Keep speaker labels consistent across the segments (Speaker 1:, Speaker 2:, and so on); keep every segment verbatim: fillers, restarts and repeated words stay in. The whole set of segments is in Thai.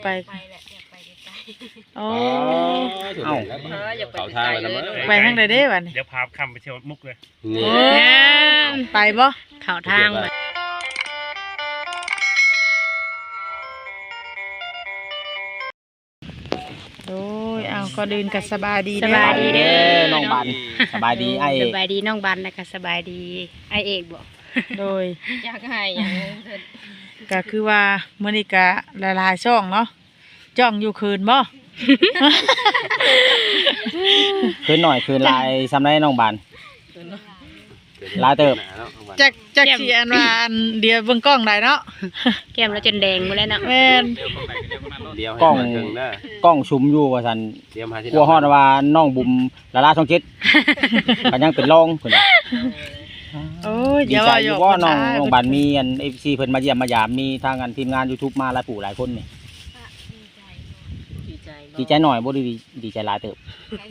Speaker 1: ไปแหละอยากไปไกลๆโอ้เอ้าอยากไปไกลเลยไปทางใดเด้บัดนี้
Speaker 2: เดี๋ยวพาคำไปเที่ยวมุกเลย
Speaker 1: ไปบ่เข้าทางไปโอ้ยเอาก็ดื่นกันสบายดี
Speaker 3: สบายดีเด้อน้องบันสบายดีไอเอก
Speaker 4: สบายดีน้องบันนะคะสบายดีไอเอกบอก
Speaker 1: โดย
Speaker 4: อยากให้อย่าง
Speaker 1: ก็คือว่ามื้อนี้ก็หลายๆช่องเนาะจ้องอยู่คืนบ่
Speaker 3: คืนหน่อยคืนลายซ้ำได้น้องบันลายเติบ
Speaker 1: จักจักสิอันว่าอันเดียวเบิ่งกล้องได้เนาะ
Speaker 4: แก้มแล้วจนแดงหมดแล้วเนาะ
Speaker 1: แม่น
Speaker 3: กล้องกล้องชุมอยู่ว่าซั่นกลัวฮอดว่าน้องบุ๋มละลาช่องเจ็ดก็ยังเป็นรองเพิ่น
Speaker 1: โอ้ย
Speaker 3: ดีใจอยู่ว่าน้องน้องบันมีอัน เอฟ ซี เพิ่นมาเยี่ยมมายามมีทางอันทีมงาน YouTube มาหลายผู้หลายคนนี่ดีใจหน่อยบ่ดีดีใจหลายเติบ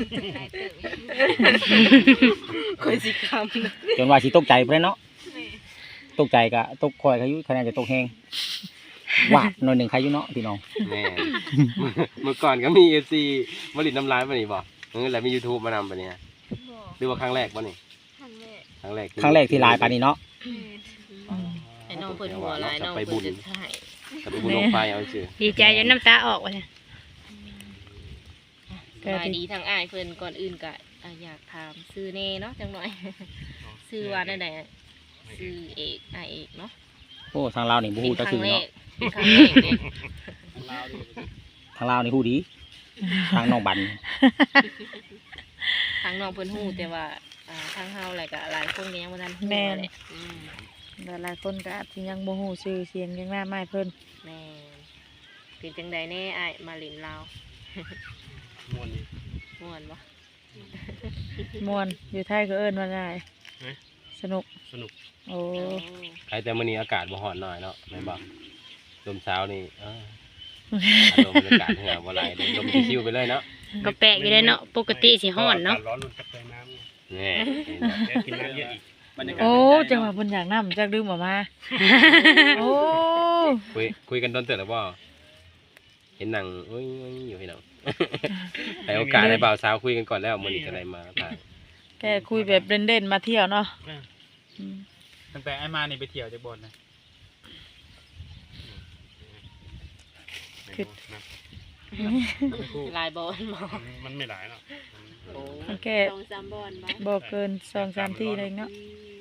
Speaker 4: คอยสิค
Speaker 3: ำจนว่าสิตกใจเพิ่นเนาะตกใจก็ตกคอยเขาอยู่คะแนนจะตกแฮงวาดหน่อยหนึ่งใครอยู่เนาะพี่น้อง
Speaker 5: แม่เมื่อก่อนก็มี เอฟ ซี ผลิตน้ำลายป่ะนี่บ่เออแล้วมี YouTube มานำป่ะเนี่ยหรือว่าครั้งแรกป่ะนี่ครั้งแรก
Speaker 3: ครั้งแรกที่ลายปานนี้เนาะ
Speaker 4: ไอ้น้องเพิ่นหัวลายน้องเพิ่นจะถ่าย
Speaker 5: กับไปบุญลงไฟเอาชื่อ
Speaker 4: ดีใจจนน้ำตาออกว่ะสบายดีทางอ้ายเพิ่นก่อนอื่นก็อยากถามซื้อเน่เนาะจังหน่อยซื้อว่าได้ไหนซื้อเอกอ้ายเอกเนาะ
Speaker 3: โอ้ทางลาวนี่บ่ฮู้จักชื่อเนาะ
Speaker 4: ทางแรกเนี่ย
Speaker 3: ทางลาวนี่ฮู้ดีทางน้องบัน
Speaker 4: ทางน้องเพิ่นฮู้แต่ว่าทางเฮาอะไรก็หลายคนก็ยังบ่ทันฮู้
Speaker 1: แม่นหลายคนก็อาจสิยังบ่ฮู้ชื่อเสียงยังหน้าไม้เพิ่น
Speaker 4: แม่เป็นจังได๋แน่อ้ายมาเล่นลาว
Speaker 2: ม่วนนี่
Speaker 4: ม่วนบ่
Speaker 1: ม่วนอยู่ไทยก็เอิ้นว่าได้สนุก
Speaker 2: สนุก
Speaker 1: โอ้
Speaker 5: ใครแต่มื้อนี้อากาศบ่ร้อนหน่อยเนาะแม่นบ่ลมเช้านี่เออลมบรรยากาศเหือบ่ไหลลมชิวๆไปเลยเนาะ
Speaker 4: ก็แปลกอยู่เลยเนาะปกติสิร้อนเนาะ
Speaker 2: ร้อนมันจะเติมน้ำนี่กินน้ำเยอะอีก
Speaker 1: โอ้จังหวะเพิ่นอยากน้ำจักดื่มออกมาโอ้
Speaker 5: คุยคุยกันตอนเติบแล้วบ่เห็นหนังโอ้ยอยู่พี่น้องให้โอกาสให้บ่าวสาวคุยกันก่อนแล้วมื้อนี้จะได้มาถ่าย
Speaker 1: แกคุยแบบเล่นๆมาเที่ยวเนาะ
Speaker 2: ตั้งแต่ไอ้มานี่ไปเที่ยวจะบ่นนะ
Speaker 1: คือ
Speaker 4: ลายบอล
Speaker 2: มันไม่หลายเนาะ
Speaker 1: มันแค่สองสามบอลบ่เกินสองสามที่เลยเนาะ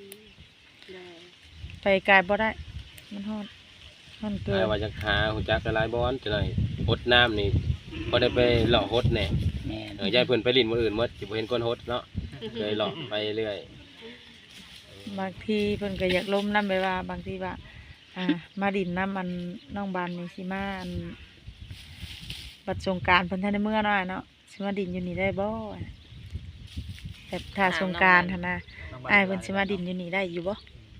Speaker 1: ไปไกลบ่ได้มันฮอดมันเกิน
Speaker 5: ว่าจะหาหุ่นจักรลายบอลจะหน่อยฮดน้ำนี่พอได้ไปหล่อฮดแน่เออยายเพิ่นไปลิ้นมื้ออื่นหมดสิบ่เห็นคนฮดเนาะเลยหล่อไปเรื่อย
Speaker 1: บางทีเพิ่นก็อยากล้มน้ำไปว่าบางทีว่าอ่ามาดินน้ำมันน้องบานนี่สิมาอันบัดสงกรานต์เพิ่นทันได้เมื่อน้อยเนาะสิมาดินอยู่นี่ได้บ่แบบถ้าสงกรานต์หั่นน่ะอ้ายเพิ่นสิมาดินอยู่นี่ได้อยู่บ่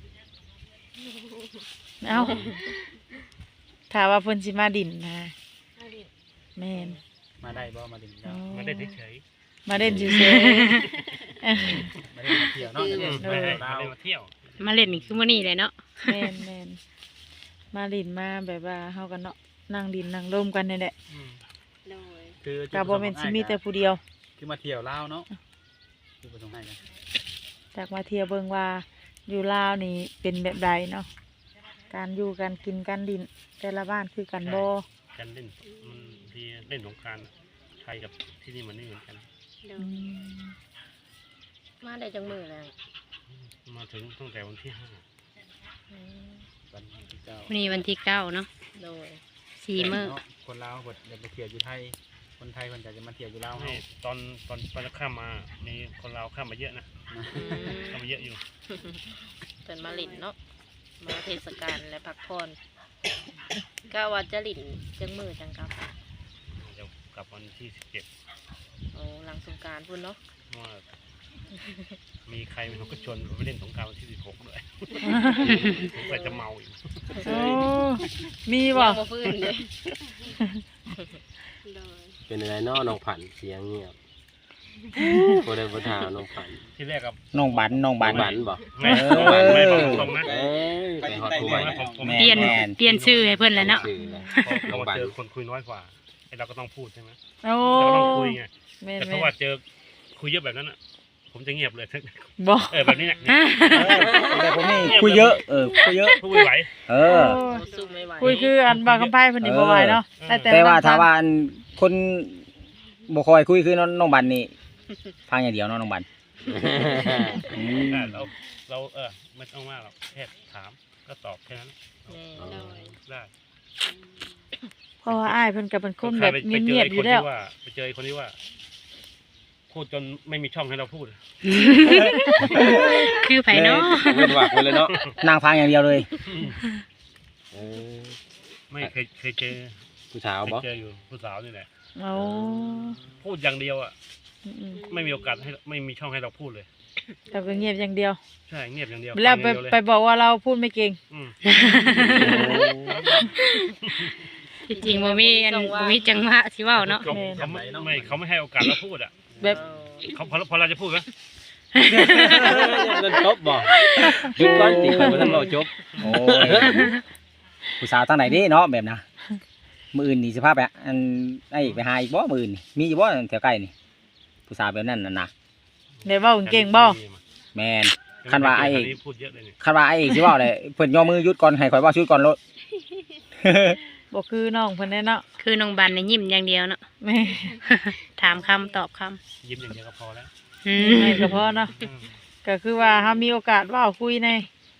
Speaker 1: เอ้าถ้าว่าเพิ่นสิมาดินนะแม่น
Speaker 2: มาได้บ่มาดินมาได้เฉย
Speaker 1: มาเล่นเฉย
Speaker 2: ๆมาเล่นมาเที่ยวเนาะมาเล่นมาเที่ยว
Speaker 4: มาเล่นนี่คือมื้อนี้เลยเนาะ
Speaker 1: แม่นแม่นมาดินมาแบบว่าเฮากันเนาะนั่งดินนั่งร่มกันนี่แหละ
Speaker 2: คือ
Speaker 1: กับบ่แม่นสิมีแต่ผู้เดียว
Speaker 2: คือมาเที่ยวลาวเนาะคือบ่ต้องให้กัน
Speaker 1: จากมาเที่ยวเบิ่งว่าอยู่ลาวนี่เป็นแบบใดเนาะการอยู่การกินการดินแต่ละบ้านคือกันบ่
Speaker 2: การเล่นมันที่เล่นสงกรานต์ไทยกับที่นี่มันไม่เหมือนกัน
Speaker 4: มาได้จังมื้อแล้ว
Speaker 2: มาถึงตั้งแต่วันที่ห้าวันที่เก้า
Speaker 4: วันนี้วันที่เก้าเนาะโดยสี่มื้อ
Speaker 2: คนลาวเพิ่นอยากไปเที่ยวอยู่ไทยคนไทยเพิ่นจะมาเที่ยวอยู่ลาวให้ตอนตอนตอนข้ามมามีคนลาวข้ามมาเยอะนะข้ามมาเยอะอยู่
Speaker 4: เพิ่นมาเล่นเนาะมาเทศกาลและพักผ่อนก็ว่าจะลิ่นจังมือจังกับ
Speaker 2: เดี๋ยวกลับวันที่สิบเจ็ด
Speaker 4: โอ้หลังสงกรานต์พุ่นเนาะ
Speaker 2: ว่ามีใครมันก็ชวนไปเล่นสงกรานต์วันที่สิบหกด้วยแต่จะเมาอยู่
Speaker 1: โอ้มีบ่
Speaker 5: เป็นอะไรเนาะน้องผันเสียงเงียบบ่ได้บ่ถามน้องฝัน
Speaker 2: ที่แรกกับ
Speaker 3: น้องบันน้องบัน
Speaker 5: บันบ่
Speaker 2: ไม่ไม่ไม่บอกตรงนะ
Speaker 5: เอ้ยไปฮอดผู้
Speaker 2: ผม
Speaker 5: ใหม่
Speaker 2: ผมผม
Speaker 3: แม่
Speaker 6: เปลี่ยน
Speaker 3: แม่น
Speaker 6: เปลี่ยนชื่อให้เพิ่นแล้วเนาะ
Speaker 5: ชื่อแหละ
Speaker 2: พอเรามาเจอคนคุยน้อยกว่าไอ้เราก็ต้องพูดใช่ไหม
Speaker 1: โอ้
Speaker 2: เราก็ต้องคุยไง
Speaker 1: แม่น
Speaker 2: แต่
Speaker 1: แม่
Speaker 2: ถ้าน ว่าเจอคุยเยอะแบบนั้นอ่ะผมจะเงียบเลย
Speaker 1: บ่
Speaker 2: เออแบบนี้เนี่ย
Speaker 3: แต่ผมนี่คุยเยอะเออคุยเยอะ
Speaker 2: พูดไม่ไหว
Speaker 3: เออ
Speaker 1: โอ้
Speaker 4: สู้ไม่ไหว
Speaker 1: คุยคืออันบางคำไพ่เพิ่นนี่บ่ไหวเนาะได้แต่
Speaker 3: แต่ว่า
Speaker 1: น้ำ
Speaker 3: ถ้า
Speaker 1: พัน
Speaker 3: ว่าอันคนบ่คอยคุยคือน้องน้องบันนี่ฟังอย่างเดียวเนาะน้องบันอืม
Speaker 2: ได้เราเราเออไม่ต้องมากหรอกแค่ถามก็ตอบแค่นั้น
Speaker 4: แม่
Speaker 5: อ๋อ
Speaker 2: ได้
Speaker 1: เพราะว่าอ้ายเพิ่นก็เป็นคนแบบ
Speaker 2: ไป
Speaker 1: เงี
Speaker 2: เจ
Speaker 1: ย
Speaker 2: อบ
Speaker 1: ๆอ
Speaker 2: ค
Speaker 1: ยู่
Speaker 2: น
Speaker 1: แล้ว
Speaker 2: ที่ว่าไปเจอคนที่ว่า พูดจนไม่มีช่องให้เราพูด
Speaker 6: คือไผเนาะ
Speaker 5: เว้นวักไปเลยเนาะ
Speaker 3: นั่งฟังอย่างเดียวเลย
Speaker 5: เออ
Speaker 2: ไม่เคยเคยเจอ
Speaker 5: ผู้สาว
Speaker 2: เคย
Speaker 5: บ่
Speaker 2: เจออยู่ผู้สาวนี่แหละ
Speaker 1: โอ้
Speaker 2: พูดอย่างเดียวอ่ะ
Speaker 1: อืม
Speaker 2: ไม่มีโอกาสให้ไม่มีช่องให้เราพูดเลย
Speaker 1: ๆแต่ก็เงียบอย่างเดียว
Speaker 2: ใช่เงียบอย่างเดียว
Speaker 1: แล้วไป
Speaker 2: ฟังอย่างเดียวเลย
Speaker 1: ไปบอกว่าเราพูดไม่เก่ง
Speaker 2: อืม
Speaker 6: ที่จริงบ่มีอันบ่มีจังหวะสิเว้าเนาะ
Speaker 2: เขาเขาไม่ไม่เขาไม่ให้โอกาสเราพูดอ่ะ
Speaker 1: แบบ
Speaker 2: เขาพอพอเราจะพูดไหม
Speaker 5: มันจบบ่หยุดก่อนติบ่ทันเว้าจบ
Speaker 3: โอ้ยผู้สาวทางไหนเด้เนาะแบบนะมื้ออื่นนี่สิพาไปอันไอ้ไปหาอีกบ่มื้ออื่นนี่มีอยู่บ่แถวใกล้นี่ผู้สาวแบบนั้นน่ะนะ
Speaker 1: เดี๋ยวเว้าเก่งบ่
Speaker 3: แม่น คันว่าไอ้
Speaker 2: นนี้พูดเยอะเลยนี่
Speaker 3: คันว่าไอ้เอกสิเว้าเลยเพิ่นย่อมือหยุดก่อนให้ข่อยเว้าชุดก่อนโลด
Speaker 1: บ่คือน้องเพิ่นแน่เนาะ
Speaker 6: คือน้องบันนี่ยิ้มอย่างเดียวเนาะ
Speaker 1: แม่
Speaker 6: ถามคำตอบคำ
Speaker 2: ยิ้มอย่างเดียวก็พอแล้ว
Speaker 6: อื
Speaker 1: ไม่
Speaker 6: ม
Speaker 1: ก็พอเนาะ
Speaker 2: อืม
Speaker 1: ก็คือว่าเฮามีโอกาสเว้าคุยใน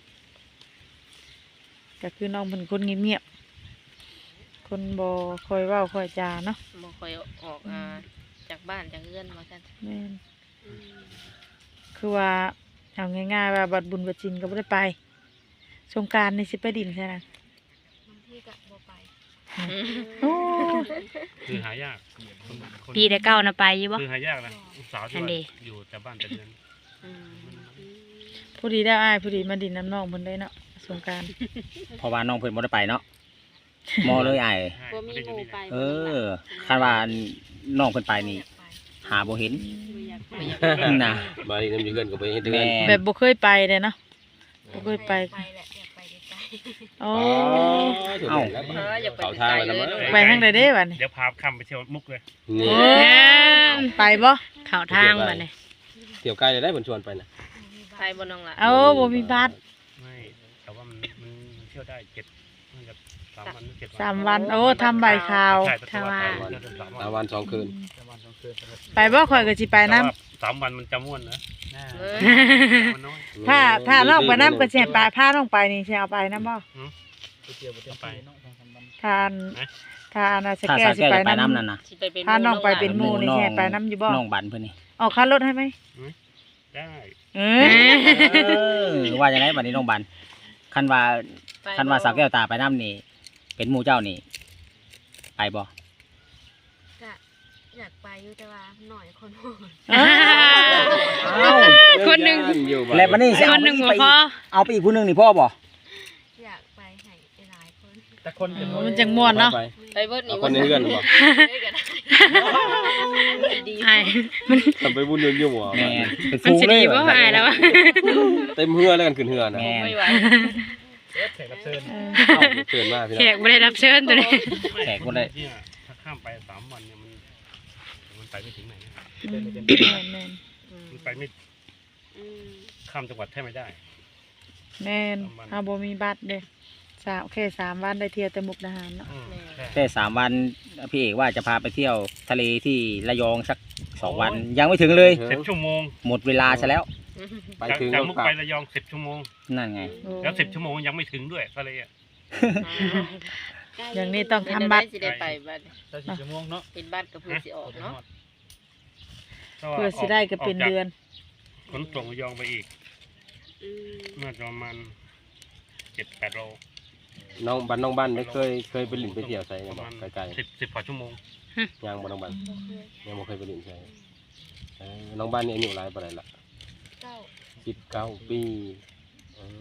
Speaker 1: ก็คือน้องเป็นคนเงียบๆคนบ่ค่อยเว้าค่อยจาเนาะ
Speaker 4: บ่ค่อยออกอ่าจากบ้านจากเรือนว่าซั่น
Speaker 1: แม่นคือว่าเอาง่ายๆว่าบัดบุญบัดจินก็บ่ได้ไปสงกรานต์นี่สิไปดินใช่นะ
Speaker 7: บางทีก็บ่ไป
Speaker 1: โอ้
Speaker 2: คือหายากคนคน
Speaker 6: ปีแต่เก้าน่ะไปอยู่บ่
Speaker 2: คือหายากนะลูกสาวที่
Speaker 6: อัน
Speaker 2: ว่า
Speaker 6: เด
Speaker 2: อยู่แต่บ้านแต่เดือน
Speaker 4: อืม
Speaker 1: ผู้ดีได้อ้ายผู้ดีมาดินน้ำน้องเพิ่นได้เนาะสงกรานต์
Speaker 3: เพราะว่าน้องเพิ่นบ่ได้ไปเนาะมอเลยไอ้
Speaker 2: ใช่
Speaker 7: บ่มี
Speaker 2: ไม่ได้
Speaker 7: ห
Speaker 2: อยู่
Speaker 7: มู่
Speaker 2: นี่
Speaker 7: ไป
Speaker 2: นะ
Speaker 3: เออคันว่าน้องเพิ่นไปนี่
Speaker 7: อยากไป
Speaker 3: หาบ่เห็น
Speaker 7: บ่อยากไป
Speaker 3: น่ะ
Speaker 5: มาอีกน้ำอยู่เกินก็ไปเฮ็ดเดือน
Speaker 3: แม่
Speaker 1: แบบบ่เคยไปเลยเนาะบ่เคยไป
Speaker 7: ไปแหละอยากไปไกล
Speaker 1: โอ้
Speaker 3: เอ้า
Speaker 4: เอออย่าไป
Speaker 5: เขาทางแล้วมั้ง
Speaker 1: ไปทางใดเด้บัดนี้
Speaker 2: เดี๋ยวพาข้ามไปเที่ยวมุกเลย
Speaker 5: นี่
Speaker 1: โอ้ไปบ่
Speaker 6: เข้าทางบัดนี้
Speaker 5: เที่ยวไกลเลยได้เพิ่นชวนไปน่ะ
Speaker 4: ไปบ่น้องล่ะ
Speaker 1: เอาบ่มีบัตร
Speaker 2: ไม่แต่ว่ามันมันมันเที่ยวได้เจ็ดน่าจะสามวันหรือเจ็ดวัน
Speaker 1: สามวันโอ้ทำใบข่าว
Speaker 2: ใช่แต่ว่าสามวันเที่ยวได้สาม
Speaker 5: สาม
Speaker 2: วัน
Speaker 5: วันสองคืน
Speaker 1: ไปบ่ข่อยก็สิไป
Speaker 2: แต่
Speaker 1: นํ
Speaker 2: ว่าสามวันมันจะม่วนนะ
Speaker 4: เออ
Speaker 2: มันน้อย
Speaker 1: ถ้าถ้าน้องไปนํก็สิให้ไปพาน้องไปนี่สิเอาไปนํบ่
Speaker 2: เอาไป
Speaker 1: ทานทานน่ะส
Speaker 3: ถ้า
Speaker 1: แก
Speaker 3: สาว
Speaker 1: สิ
Speaker 3: แก้ว
Speaker 1: ไป
Speaker 3: จะไป
Speaker 1: นํ
Speaker 3: น้ำนั่นน่ะ
Speaker 4: สิไปเป็น
Speaker 1: พาน้องไปเป็นหมู่นี่สิให้ไปนํอยู่บ่
Speaker 3: น้องบันเพิ่นนี่
Speaker 1: ออกค่ารถให้ไหม
Speaker 2: ได้
Speaker 1: เอ
Speaker 3: เออว่าจังไดบัดนี้น้องบันคันว่าคันว่าสาวแก้วตาไปน้ำนี่เป็นหมู่เจ้านี่ไปบ่
Speaker 7: ๆก็อยากไปอยู่แต่ว่าหน่อยคนโหด
Speaker 1: อ
Speaker 3: เอ้า
Speaker 6: คนหนึ่ง
Speaker 5: อยู่บ้า
Speaker 3: แล้วบัดนี้สิ
Speaker 6: ค
Speaker 3: เอา
Speaker 6: นหนึ่ง
Speaker 3: ไป
Speaker 6: บ่
Speaker 3: อีก
Speaker 6: พอ
Speaker 3: เอาไปอีกผู้หนึงนี่พ่อบ่
Speaker 7: อยากไปให้หลายคน
Speaker 2: แต่คน
Speaker 1: มันจังม่วนเนาะ
Speaker 5: ไป
Speaker 4: ไปเบิดนี่
Speaker 5: เอาคนในเรือนบ่
Speaker 7: ได้ก็ได้
Speaker 4: ดี
Speaker 6: อ้ายมัน
Speaker 5: ทำไปบุญเรือนอยู่บ่
Speaker 3: แม่นเป็น
Speaker 6: มัน
Speaker 3: ฟูง
Speaker 6: สิ
Speaker 3: เล
Speaker 6: ดี
Speaker 3: ย
Speaker 6: บ่อ้ายแล้ววะ
Speaker 5: เต็มเฮือแล้วกันขึ้นเฮือน่ะ
Speaker 3: แม่น
Speaker 4: ไม่ไหว
Speaker 2: แขกรับเชิญ
Speaker 1: เออ
Speaker 5: เอ้าเชิญมาพี่
Speaker 6: แข
Speaker 5: น้อง
Speaker 6: กบ่ได้รับเชิญตัวนี้
Speaker 3: แขกคนใด
Speaker 2: เนี่ยถ้าข้ามไปสามวันเนี่ยมันมันไปไม่ถึงไหนนะ
Speaker 1: แม่นแม่น
Speaker 2: มันไปไม่
Speaker 7: อืม
Speaker 2: ข้ามจังหวัดแทบไม่ได้
Speaker 1: แม่นเฮาบ่มีบัตรเด้สามแค่สามวันได้เที่ยวแต่มุกดาหารเนาะ
Speaker 2: อืมใช่
Speaker 3: แค่สามวันพี่เอกว่าจะพาไปเที่ยวทะเลที่ระยองสักสองวันยังไม่ถึงเลย
Speaker 2: สิบชั่วโมง
Speaker 3: หมดเวลาซะแล้ว
Speaker 5: ไป
Speaker 2: จาก
Speaker 5: ถึง
Speaker 2: จาก
Speaker 5: ก็
Speaker 2: มุก
Speaker 5: กลับ
Speaker 2: ไประยองสิบชั่วโมง
Speaker 3: นั่นไง
Speaker 1: โอ้
Speaker 2: แล้วสิบชั่วโมงยังไม่ถึงด้วยทะเลอ่ะ
Speaker 1: อย่างนี้ต้อง
Speaker 4: เป็น
Speaker 1: ทำ
Speaker 4: อะไร
Speaker 1: บัตร
Speaker 4: สิได้ไปบัด
Speaker 2: ถ้าสิบชั่วโมงเนาะ
Speaker 4: เป็นบัตรก็เพื่อสิออกเนาะ
Speaker 1: เพื่อสิได้ก็เป็นเดือน
Speaker 2: ขนส่งระยองไปอีก
Speaker 7: อืม
Speaker 2: น่าจะประมาณเจ็ดแปดโล
Speaker 5: น้องบ้านน้องบ้านได้เคยเคยไปหลินไปเที่ยวไส
Speaker 2: ป
Speaker 5: เนี่ย
Speaker 2: ระ
Speaker 5: บ่
Speaker 2: มาณ
Speaker 5: ไกล
Speaker 2: สิบสิบกว่าชั่วโมง
Speaker 5: ๆยังบ่น้องบ้าน
Speaker 7: บ่เคย
Speaker 5: ยังบ่เคยไปหลินไสเออน้องบ้านนี่อายุหลายปานใดล่ะ
Speaker 7: เก้า
Speaker 5: สิบเก้าปีเอ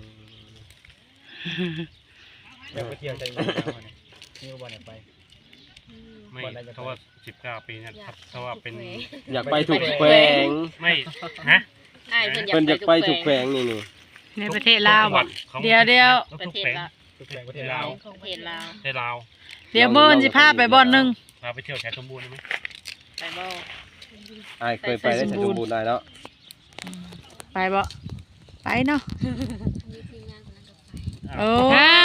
Speaker 5: อ
Speaker 8: อยากไปเที่ยวใจเย็นๆเอาเนี่ยนี่วันไหนไป
Speaker 7: อืม
Speaker 2: ไม่ถ้าว่าสิบเก้าปีเนี่ยครับถ้าว่าเป็น
Speaker 5: อยากไปถูกแขวง
Speaker 2: ไม่ฮะ
Speaker 4: อ้ายเพิ่นอยาก
Speaker 5: เพิ่นอยากไป
Speaker 4: ไป
Speaker 5: ถู
Speaker 4: ทุ
Speaker 5: ก
Speaker 4: ก
Speaker 5: แข
Speaker 4: แข
Speaker 5: ว
Speaker 4: ว
Speaker 5: ง
Speaker 4: ง
Speaker 5: นี่นี่
Speaker 6: ในประเทศลาวบ่
Speaker 1: เดี๋ยวเดี๋ยว
Speaker 4: ประเทศลาว
Speaker 2: ทุกแขวงประเทศลาว
Speaker 4: ของประเทศลาว
Speaker 2: ประเทศลาว
Speaker 1: เดี๋ยวมื้อนี้สิพาไปบ่อนหนึง
Speaker 2: พาไปเที่ยวแถวสมบูรณ์ได้ไหม
Speaker 4: ไปบ่
Speaker 5: อ้ายเคยไปได้แต่สมบูรณ์ได้แล้ว
Speaker 1: ไปบ่ไปเนาะ
Speaker 7: มีทีมงานคนนั้นก็ไป
Speaker 1: โอ้
Speaker 6: อ่า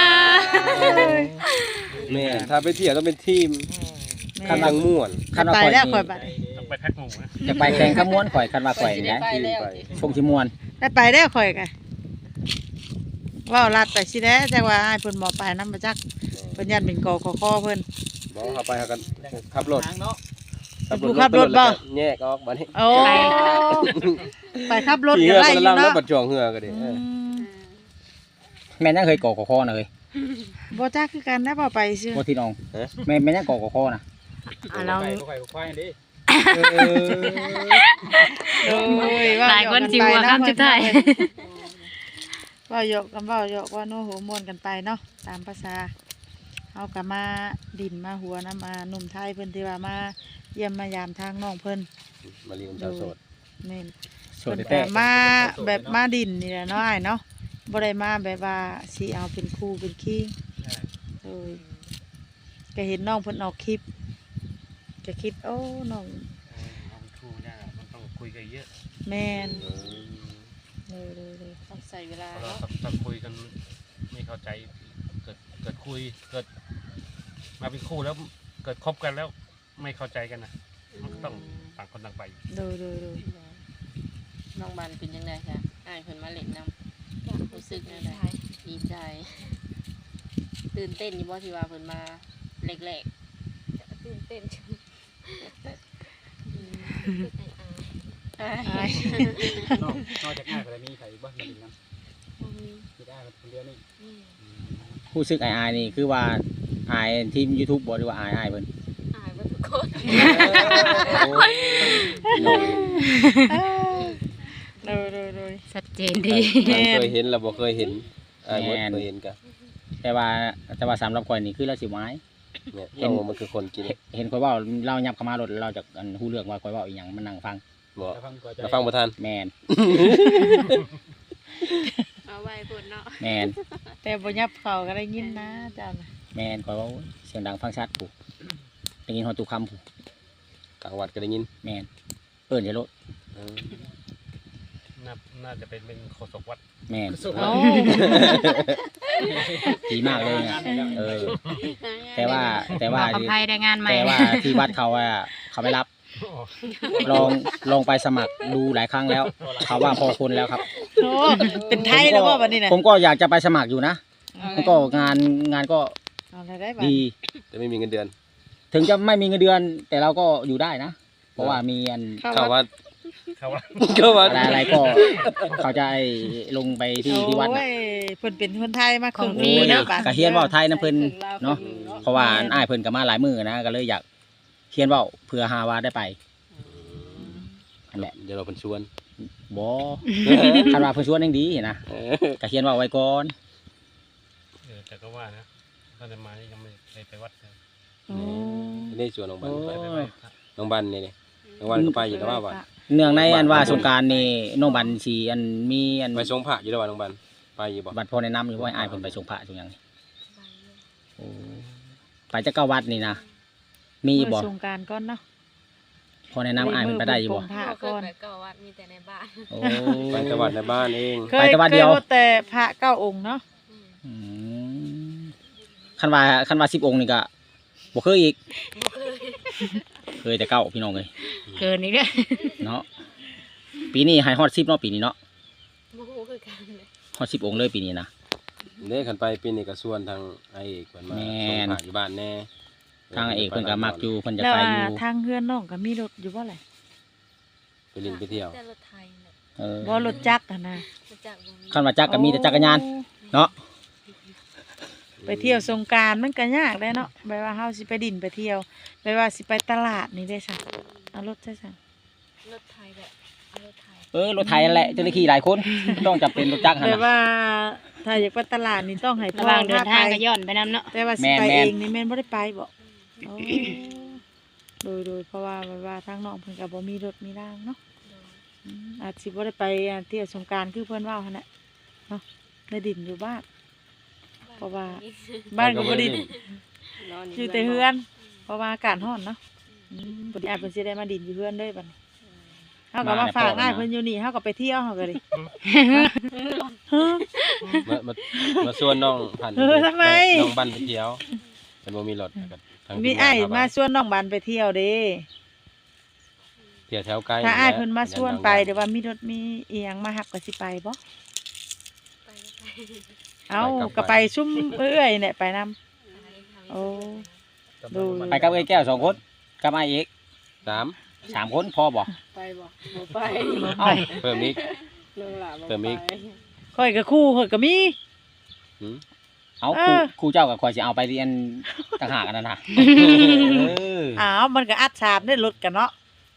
Speaker 5: แม่ถ้าไปเที่ยวต้องเป็นทีม
Speaker 1: แม่
Speaker 5: คันดังม่วน
Speaker 1: คันไปแล้วข่อยบัดนี้
Speaker 2: ต้องไปแพ็คหมูนะ
Speaker 3: จะไปแข่งขม้วนข่อยคันว่าข่อยนี่นะ
Speaker 4: ไปแล้ว
Speaker 3: พงสิม่วน
Speaker 1: ได้ไปแล้วข่อยก็ว้าวลัดไปสิแด้จักว่าอ้ายเพิ่นบ่ไปนำบ่จักเพิ่นยันเป็นกคคเพิ่น
Speaker 5: บ่เขาไปเขากันขับรถ
Speaker 1: ผู้ขับรถบ่
Speaker 5: แล้วก็แยกออกบัดนี้
Speaker 1: โอ้ไปขับรถ
Speaker 5: ขี่
Speaker 1: กั
Speaker 5: เหื
Speaker 1: น
Speaker 5: อ
Speaker 1: ได้
Speaker 5: คน
Speaker 1: อ
Speaker 5: ละ
Speaker 1: ยู่
Speaker 5: ลำแล้ว
Speaker 1: เนาะ
Speaker 5: บัดจ่องเหือก็ดิ
Speaker 1: อืม
Speaker 3: แม่นยังเคยก่อกอคอนะเฮ้ย
Speaker 1: บ่จักคือกันได้บ่ไปซื่อ
Speaker 3: บ่ที่น้องแม่นแม่นยังก่อกอคอนะ
Speaker 6: อ่ะลอง
Speaker 1: โอ้ยว่า
Speaker 6: หลายคนสิว่าคำสุดท้าย
Speaker 1: ว่าหยอกกันเว้าหยอกว่าโน้โหม่วนกันไปเนาะตามภาษาเฮาก็มาดินมาหัวนะมาหนุ่มไทยเพิ่นที่ว่ามาเยี่ยมมายามทางน้องเพิ่น
Speaker 5: มาเรียนชาวโสด
Speaker 1: แม่น
Speaker 3: โส
Speaker 1: เพิ่
Speaker 3: ด
Speaker 1: น
Speaker 3: แต่
Speaker 1: ก็มาแบบมาดินนี่แหละเนาะอ้ายเนาะบ่ได้มาแบบว่าสิเอาเป็นครูเป็นคิงเอ้ยก็เห็นน้องเพิ่นออกคลิปก็คิดโอ้น้อง
Speaker 2: เอาครูเนี่ยมันต้องคุยกันเยอะ
Speaker 1: แม่นเลยเลยเลย
Speaker 4: ต้องใส่เวลา
Speaker 2: เพราะเรา
Speaker 4: เนาะ
Speaker 2: ถ้าคุยกันไม่เข้าใจเกิดเกิดคุยเกิดมาเป็นคู่แล้วเกิดคบกันแล้วไม่เข้าใจกันนะมันก็ต้องต่างคนต่างไป
Speaker 1: เลยเลยเลย
Speaker 4: น้องบันเป็นจังได๋จ้ะอ้ายเพิ่นมาเล่นนำ
Speaker 7: อยาก
Speaker 4: รู้สึก
Speaker 7: ดี
Speaker 4: จัง
Speaker 7: ใจ
Speaker 4: ได๋ดีใจ ตื่นเต้นอยู่บ่ที่ว่าเพิ่นมาแรก
Speaker 7: ตื่นเต้นจังอืมไอ้อา
Speaker 4: ๆอ้าย
Speaker 8: นอกนอกจากง่ายกว่านี้มีใครบ้างมาดินน้ำ
Speaker 7: บ่มี
Speaker 8: มีได้คนเดียวนี่
Speaker 7: นี่
Speaker 3: ผู้ซึกอายๆนี่คือว่าอายทีม YouTube บ่หรือว่าอายอายเพิ่น
Speaker 7: อายว่าทุกคน
Speaker 1: เลยเลยเลย
Speaker 6: ชัดเจนดี
Speaker 5: เคยเห็นเราบ่เคยเห็นอ้ายบ่เคยเห็นกัน
Speaker 3: แต่ว่าแต่ว่าสำหรับข่อยนี่คือเราสิไม้
Speaker 5: เนี่ย
Speaker 3: เห็น
Speaker 5: เรามันคือคนกิน
Speaker 3: เห็นเห็นข่อยเว้าเรายับเข้ามารถเราจากอันฮู้เรื่องว่าข่อยเว้าอีหยังมันนั่งฟัง
Speaker 5: บ่
Speaker 8: จะฟังก่อนใจ
Speaker 5: เราฟังบ่ทัน
Speaker 3: แม่น
Speaker 7: เอาไว้พุ่นเนาะ
Speaker 3: แม่น
Speaker 1: แต่บ่ยับเข้าก็ได้ยินนะเจ้าน่ะ
Speaker 3: แม่นข่อยเว้าเสียงดังฟังชัดผู้ได้ยินฮอดทุกคำผู้
Speaker 5: กลางวัดก็ได้ยิน
Speaker 3: แม่นเอิ้นจะโลด
Speaker 5: เออ
Speaker 2: น่าน่าจะเป็นเป็นโฆษกวัด
Speaker 3: แม่น
Speaker 8: สุด
Speaker 1: โอ้
Speaker 3: ดีมากเลยนะเออ แต่ว่าแต่ว่า
Speaker 6: บอกกับไพ่ได้งานใหม่
Speaker 3: แต่ว่าที่วัดเขาอะเขาไม่รับ ลองลองไปสมัครดูหลายครั้งแล้ว เขาว่าพอคนแล้วครับ
Speaker 1: โหเป็นไทยแล้วบ่บัดนี้น่ะ
Speaker 3: ผมก็อยากจะไปสมัครอยู่นะมันก็งานงานก็
Speaker 1: เอาได้ได้บัด
Speaker 3: ดี
Speaker 5: แต่ไม่มีเงินเดือน
Speaker 3: ถึงจะไม่มีเงินเดือน แต่เราก็อยู่ได้นะ เพราะว่ามีอัน
Speaker 5: เข้าวัด
Speaker 2: เขาว่า
Speaker 5: เข้าวัด
Speaker 3: อะไรอะไรก็ เขาจะให้ลงไปที่ที่วัด
Speaker 1: โอ้
Speaker 3: น่ะ
Speaker 1: ยเพิ่นเป็นคนไทยมาครึ่ง
Speaker 3: โอ้ย
Speaker 1: เนาะ
Speaker 3: กะเฮียนเว่าไทยนะเพิ่นเนาะเพราะว่าอ้ายเพิ่นก็มาหลายมือนะก็เลยอยากเฮียนเว่าเพื่อหาว่าได้ไปนั่นแหละ
Speaker 5: เดี๋ยวเราเป็นชวน
Speaker 3: บ่คันว่าเพิ่นชวนยังดีนะ
Speaker 5: เออก
Speaker 3: ะเฮียนเว่าไว้ก่อน
Speaker 2: เออแต่ก็ว่านะตอนจะมานี่ยังไม่เคยไปวัดเลย
Speaker 1: โอ้
Speaker 5: นี่ชวนน้องบันไป
Speaker 2: ไปไปไหว้พระ
Speaker 5: น้องบันนี่นี่น้องบันก็ไปอยู่แล้วว่าวัด
Speaker 3: เนื่องในอันว่าสงกรารนี่น้องบันสิอันมีอัน
Speaker 5: ไปชงพระอยู่แล้วว่าน้องบันไปอยู่บ่
Speaker 3: บัตรพอแนะนำอยู่ว่าอ้ายเพิ่นไปส่งพระส่งหยังนี่
Speaker 7: ไปอยู่
Speaker 3: โอ้ไปจักเก้าวัดนี่นะมีอยู่บ่
Speaker 1: มื้อสงกรานต์ก่อนเนาะ
Speaker 3: พอแนะนำอ้ายเพิ่นไปได้อยู่บ่
Speaker 1: มื้อเพิ่นปลงผ้า
Speaker 7: บ่เค
Speaker 1: ก่
Speaker 7: ย
Speaker 1: อน
Speaker 7: ไปเก่าวัดมีแต่ในบ้าน
Speaker 3: โอ้
Speaker 5: ไปแต่วัดในบ้านเอง
Speaker 1: เค
Speaker 3: ไป
Speaker 1: ย
Speaker 3: แต่วัดเดียว
Speaker 1: คแต่พระเก้าองค์เนาะ
Speaker 7: อืม
Speaker 3: อืมคันว่าคันว่าสิบองค์นี่ก็บ่เคยอีก
Speaker 7: บ่เคย
Speaker 3: เคยแต่เก้าพี่น้องเอ้ย
Speaker 6: เกินอีกแล้ว
Speaker 3: เนาะปีนี้ให้ฮอดสิบเนาะปีนี้เนาะ
Speaker 7: บ่ฮู้คือกันเลย
Speaker 3: ฮอดสิบองค์เลยปีนี้นะ
Speaker 5: เด้ขันไปปีนี้ก็ส่วนทางไอ้เอกเพิ่นมา
Speaker 3: แม่
Speaker 5: ส่ง
Speaker 3: น
Speaker 5: พระอยู่บ้านแน่
Speaker 3: ทางเอกเพิ่นก็มักอยู่เพิ่นจะ
Speaker 1: แล้ว
Speaker 3: ไป
Speaker 1: อ่า
Speaker 3: อยู่
Speaker 1: ทางเฮือนน้องก็มีรถอยู่บ่แหละ
Speaker 5: ไปเลินไปเที่ยว
Speaker 7: แต่รถไทยเนี่ย
Speaker 3: เออ
Speaker 1: บ่รถจักรอะนะ
Speaker 7: รู้จักบ่มี
Speaker 3: คันว่าจักรก็มีแต่จักรยาน
Speaker 1: โอ้
Speaker 3: เนาะ
Speaker 1: ไปเที่ยวสงกรานต์มันก็ยากเลยเนาะแบบว่าเฮาสิไปดินไปเที่ยวแบบว่าสิไปตลาดนี่ได้ซั่นเอารถใช่ซั่น
Speaker 7: รถไทยแบบเอารถไทย
Speaker 3: เออรถไถนั่นแหละเจ้าหน้าที่หลายคนต้องจำเป็นรถจักรหั่น
Speaker 1: แบบ
Speaker 3: น่ะ
Speaker 1: ว่าถ้าอยากไปตลาดนี่ต้องให้
Speaker 6: ระหว่างเดินทาง
Speaker 1: พ
Speaker 6: ก็ย้อนไปนำเนาะ
Speaker 1: แต่ว่าสิ
Speaker 3: แม่น
Speaker 1: ไป
Speaker 3: แม่
Speaker 1: เอน งนี่แม่นบ่ได้ไปบ่โอ้โดยโดยเพราะว่าแบบว่าทางน้องเพิ่นก็บ่มีรถมีรางเนาะอืมอาจสิบ่ได้ไปอ่าเที่ยวสงกรานต์คือเพิ่นเว้าหั่นแหละเนาะได้ดินอยู่บ้าน เพราะว่าบ้านก็บ่ดิน
Speaker 4: นอน
Speaker 1: อยู่แต่เฮือน เพราะว่าอากาศร้อนเนาะอืมบ่ได้อาจเพิ่นสิได้มาดินอยู่เฮือนเด้บัดนี้เฮาก็มาฝากอ้ายเพิ่นอยู่นี่เฮาก็ไปเที่ยวเฮาก็ดิฮะ
Speaker 5: มามามาส่วนน้องพันธุ์
Speaker 1: เออทำไม
Speaker 5: น้องบันไปเที่ยวแต่บ่มีรถก็ทาง
Speaker 1: มี
Speaker 5: ทีงน
Speaker 1: อ้าย
Speaker 5: พไป
Speaker 1: มาชวนน้องบันไปเที่ยวเด้
Speaker 5: เที่ยวแถวใกล้
Speaker 1: ถ้าอ้าย
Speaker 5: แหละ
Speaker 1: เพิ่นมาชวนไป
Speaker 5: ยั
Speaker 1: เดี๋ยวว่ามีรถมีอีหยังมารับก็สิไปบ่
Speaker 7: ไปไป
Speaker 1: เอ้าก็ไปซุ่มเอื้อยเนี่ยไปนำ โอ้ ดู
Speaker 3: ไปกับเอ้ยแก้วสองคนกับอ้ายเอก
Speaker 5: สาม
Speaker 3: สามคนพอบ่
Speaker 4: ไปบ่บ่ไป
Speaker 3: เอ้า
Speaker 5: เพิ่มอีก
Speaker 4: น้องหล่ะบ่
Speaker 5: เติมอีก
Speaker 4: ไป
Speaker 1: ข่อยก็คู่ข่อยก็มี
Speaker 5: หืม
Speaker 3: เอา
Speaker 1: เอ
Speaker 3: ครู
Speaker 1: อ
Speaker 3: ครูเจ้ากับข่อยสิเอาไปเรียนต่างหากอันนั้นน่ะเออ
Speaker 1: อ้าวมันก็อัดฉาบได้รถกันเนาะ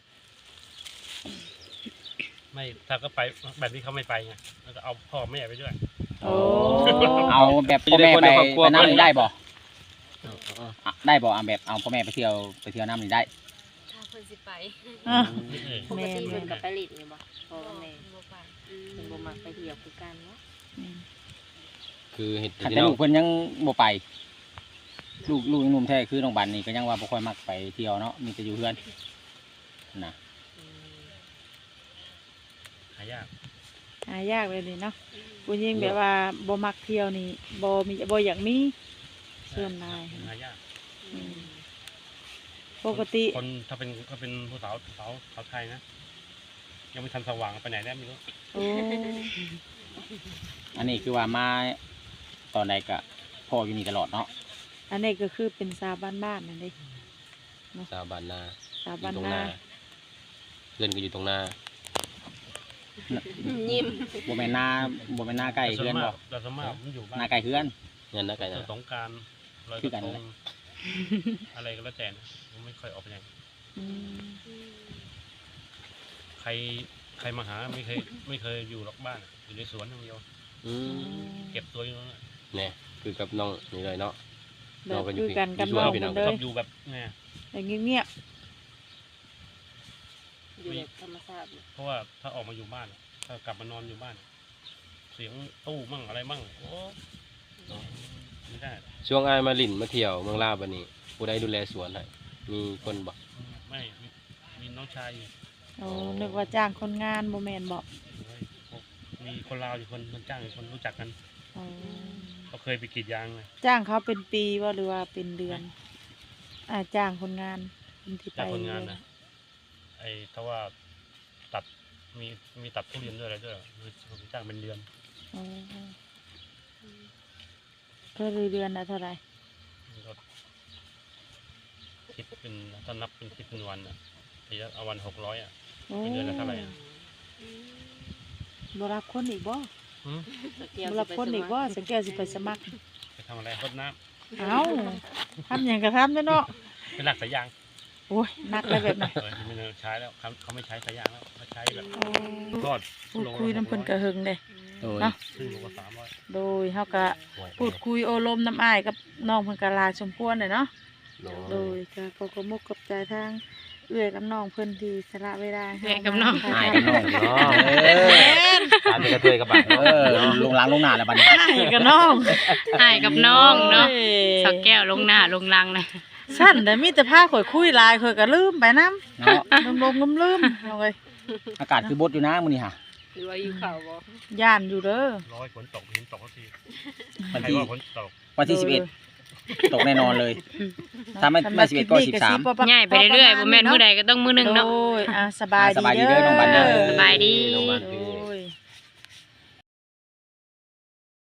Speaker 2: ไม่ถ้าก็ไปแบบนี้เขาไม่ไปไงแล้วก็เอาพ่อแม่ไปด้วย
Speaker 1: โอ้
Speaker 3: เอาแบบพ่อแม่ไปไปน้ำนี่ได้บ่
Speaker 5: เอาเอาเอา
Speaker 3: อ่ะได้บ่เอาแบบเอาพ่อแม่ไปเที่ยวไปเที่ยวน้ำนี่ได้
Speaker 7: ถ้าเพิ่นสิไป
Speaker 1: อ่ะ
Speaker 4: ปกติเพิ่นก็ไปลิดนี่บ่พ่อแม่
Speaker 7: บ่ไป
Speaker 4: เพิ่นบ่มักไปเที่ยวคือกันเนาะ
Speaker 5: คือเห็ด
Speaker 3: คัน
Speaker 5: ที่
Speaker 3: แต่
Speaker 5: น้อ
Speaker 3: ลู
Speaker 5: ง
Speaker 3: กเพิ่นยังบ่ไป ลูกลูกยังหนุ่มแท้คือน้องบันนี่ก็ยังว่าบ่ค่อยมักไปเที่ยวเนาะมีแต่อยู่เฮือนนะ
Speaker 2: หายาก
Speaker 1: หายากเลยนี่เนาะผู้หญิงแบบว่าบ่มักเที่ยวนี่บ่มีบ่อยากมีส่วนนาย
Speaker 2: หายาก
Speaker 1: อืมปกติ
Speaker 2: คนถ้าเป็นถ้าเป็นผู้สาวสาวสาวไทยนะยังไม่ทันสว่างไปไหนได้ไม่รู้
Speaker 1: โอ้
Speaker 3: อันนี้คือว่ามาตอนใดก็พ่ออยู่นี่ตลอดเนาะ
Speaker 1: อันนี้ก็คือเป็นสาวบ้านๆนั่นเด้
Speaker 5: สาวบ้านนา
Speaker 1: สาว
Speaker 5: อ
Speaker 1: บ้าน
Speaker 5: ยู่ตรง
Speaker 1: นา
Speaker 5: นาเล่นก็อยู่ตรงนา
Speaker 4: ยิ้ม
Speaker 3: บ่แม่นหน้าบ่แม่นหน้าใกล้
Speaker 2: แต่ส่
Speaker 3: เฮื
Speaker 2: ว
Speaker 3: อน น
Speaker 2: มา
Speaker 3: บ่
Speaker 2: กแต่ส่วนมากมันอยู่บ้า
Speaker 3: หน้าน ใกล้เฮือน
Speaker 5: เงินนะไก่
Speaker 2: เที่ยว
Speaker 5: นะ
Speaker 2: สงกรารลอยก
Speaker 3: คือกั
Speaker 2: ระ
Speaker 3: น
Speaker 2: ท
Speaker 3: นั่น
Speaker 2: ง
Speaker 3: แหละ
Speaker 2: อะไรก็แล้วแต่นะผมไม่ค่อยออกไปไหน
Speaker 1: อืม
Speaker 2: ใครใครมาหาไม่เคยไม่เคยอยู่หรอกบ้านอะอยู่ในสวนอย่างเดียว
Speaker 5: อืม
Speaker 2: เก็บตัวอยู่นั่นแหละ
Speaker 5: เนี่ยคือกับน้องนี่เลยเนาะ
Speaker 1: แบ
Speaker 5: เรา
Speaker 1: บ
Speaker 5: ก็อยู่
Speaker 1: คือกันกับ
Speaker 5: อยู่
Speaker 1: น้อง
Speaker 5: พี่น้
Speaker 1: เพิ่
Speaker 5: อง
Speaker 1: น
Speaker 2: ช
Speaker 1: เล
Speaker 2: อย บอยู่แบบเนี่ย
Speaker 1: แต่เงียบ
Speaker 4: อยู่แบบธรรมชาติ
Speaker 2: เพราะว่าถ้าออกมาอยู่บ้านอะถ้ากลับมานอนอยู่บ้าน เสียงตู้มั่งอะไรมั่งโอ้ไม่ได้
Speaker 5: ช่วงอายมาลินมาเที่ยวเมืองลาวบัดนี้ผู้ใดดูแลสวนให้มีคนบ่
Speaker 2: ไม่มีมีน้องชายอยู่
Speaker 1: ๆโอ้นึกว่าจ้างคนงานบ่แม่นบ่
Speaker 2: เฮ้ยมีคนลาวอยู่คนคนจ้างอยู่คนรู้จักกัน
Speaker 1: โอ้
Speaker 2: เขาเคยไปกรีดยางเลย
Speaker 1: จ้างเขาเป็นปีบ่หรือว่าเป็นเดือน อ่าจ้างคนงานคนที่ไป
Speaker 2: จ้างคนงานนะไอ้ถ้าว่าตัดมีมีตัดทุเรียนด้วยอะไรด้วยคือผมจ้างเป็นเดือน
Speaker 1: โอ้ก็เดือนละเท่าไหร่
Speaker 2: มันก็คิดเป็นถ้านับเป็นคิดเป็นวันอ่ะทีละเอาวันหกร้อยอ่ะ
Speaker 1: โอ้
Speaker 2: เป็นเดือนละเท่าไหร่อะ
Speaker 1: บ่รับคนอีกบ่
Speaker 2: หืม
Speaker 1: บ่รับคนอีกบ่สังแก้วสิไปสมัคร
Speaker 2: ไปทำอะไรรดน้
Speaker 1: เอ้าทำหยังก็ทำเด้อเนาะ
Speaker 2: ำเป็นหลักสายยาง
Speaker 1: โอ้ยนักเลยแบบนั้น
Speaker 2: เออไม่ได้ใช้แล้วเขาเขาไม่ใช้สายยางแล้วเขาใช้แบบ
Speaker 1: โอ้
Speaker 2: ทอด
Speaker 1: พูดคุยน้ำเพิ่นกระหึงเด้
Speaker 3: โดย
Speaker 1: เนาะ
Speaker 2: ซึ่งโลละสามร้อย
Speaker 1: โดยเฮาก็พูดคุยโอลมน้ำอ้ายกับน้องเพิ่นก็หลายสมควรเลยเนาะ โดยก็ขอขอบมุกขอบใจทางเอื้อยกับน้องเพิ่นที่สละเวลาให้
Speaker 6: เอื้อยกับน้อง
Speaker 1: ถ่าย
Speaker 3: อ้าย
Speaker 1: ทำ
Speaker 3: กับน้อง
Speaker 5: เนาะ
Speaker 3: เออ
Speaker 5: ตามไปกระเทยกับบาด
Speaker 3: เออลงหล้างลงหน้าแล้วบัดนี้
Speaker 1: อ้ายกับน้อง
Speaker 6: อายกับน้องเนาะ
Speaker 1: โอ้ย
Speaker 6: สาวแก้วลงหน้าลงลังนะ
Speaker 1: สั้นแต่มีแต่พาข่อยคุยหลายข่อยก็ลืมไปนำ
Speaker 3: เนาะ
Speaker 1: ลมๆลืมๆเอาไว้
Speaker 3: อากาศคือบดอยู่นะมื้อนี้ฮะ
Speaker 4: หรือว่าอยู่เขาบ่
Speaker 1: ย่านอยู่เด้อ
Speaker 2: ร้อยฝนตกเห็นตกสักที
Speaker 3: วัน
Speaker 2: ใคร
Speaker 3: ที่
Speaker 2: ว่าฝนตก
Speaker 3: วันที่สิบเอ็ดตกแน่นอนเลย ถ้าไม่ไม่สิบเอ็ดก็สิบสาม
Speaker 6: ง่ายไปเรื่อยๆบ่แม่นมื้อใดก็ต้องมื้อหนึงเนาะ
Speaker 1: โดยอ่ะสบาย
Speaker 3: สบายดี
Speaker 1: ดี
Speaker 3: เด้อน้องบันเด้อ
Speaker 6: สบายดี
Speaker 5: น้องบัน
Speaker 1: โด
Speaker 5: คือ